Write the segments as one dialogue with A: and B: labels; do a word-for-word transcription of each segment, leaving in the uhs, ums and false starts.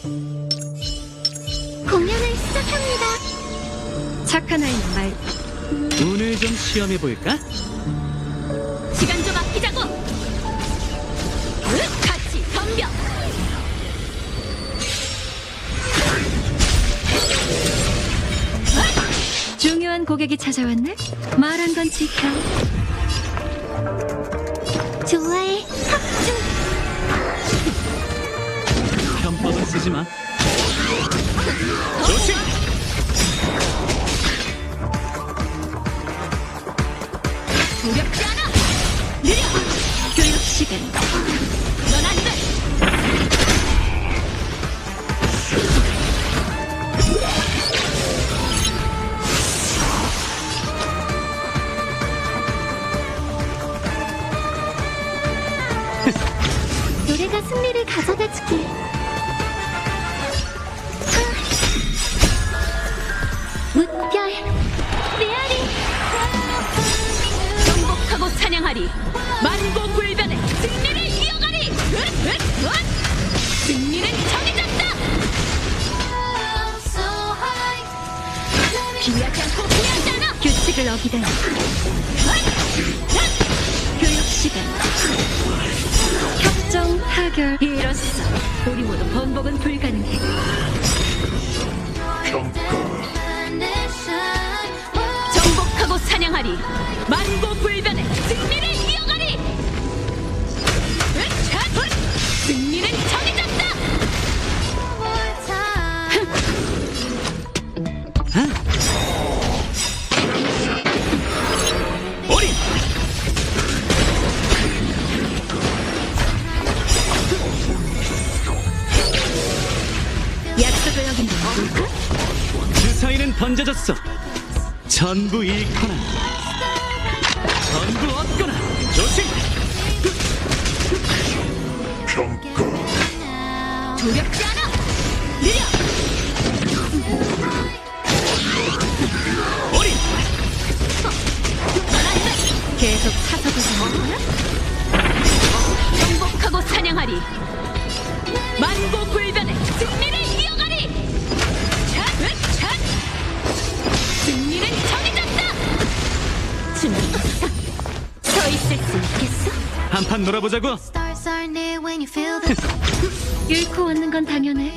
A: 공연을 시작합니다.
B: 착한 아이는 말.
C: 오늘 좀 시험해 볼까?
B: 시간 좀 아끼자고. 으, 같이 덤벼. 중요한 고객이 찾아왔네. 말한 건 지켜.
A: 좋아해. 합중.
C: 편법은 쓰지 마. 조심!
B: 두렵지 않아. 느려. 교육 시간. 넌 안 돼.
A: 노래가 승리를 가져다 주길. 무별 메아리.
B: 정복하고 사냥하리. 만고불변의 승리를 이어가리. 으, 으, 으. 승리는 정해졌다. 비하지 않고 후회하지 않아. 규칙을 어기다니. 교육 시간. 협정 타결. 이로써 우리 모두 번복은 불가능해. 정복하고 사냥하리. 만고불변의 승리를 이어가리. 으차! 승리는 정해졌다.
C: 어린!
B: 약속을 어긴 건 뭘까?
C: 주사위는 던져졌어. 전부 잃거나 전부 얻거나. 조심!
B: 두렵지 않아. 느려.
C: 어린!
B: 계속 사서도 정하구나. 정복하고 사냥하리. 만고불변의 승리를 이어가리. 차! 으, 차! 승리는 정해졌다. 준비. 서 있을 수 있겠어?
C: 한판 놀아보자고.
A: Stars are near when you feel the
B: 잃고 얻는 건 당연해.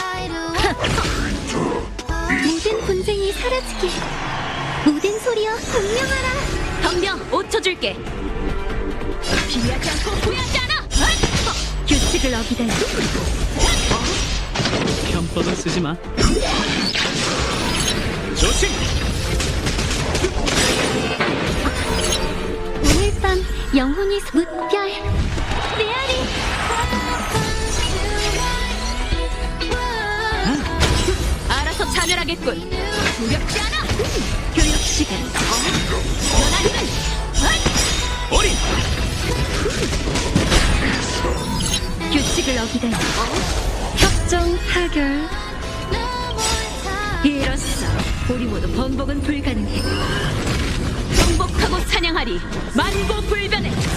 A: 모든 분쟁이 사라지길. 모든 소리여 공명하라.
B: 덤벼. 오 초 줄게. 비하지 않고 후회하지 않아. 어? 규칙을 어기다니.
C: 편법은 쓰지 마. 조심!
A: 오늘 밤 영혼이 소- 무별 메아리.
B: 알아서 자멸하겠군. 두렵지 않아. 교육 시간. 넌안 돼.
C: 어린!
B: 규칙을 어기다니. 협정 타결. 이로써 우리 모두 번복은 불가능해. 정복하고 사냥하리. 만고불변의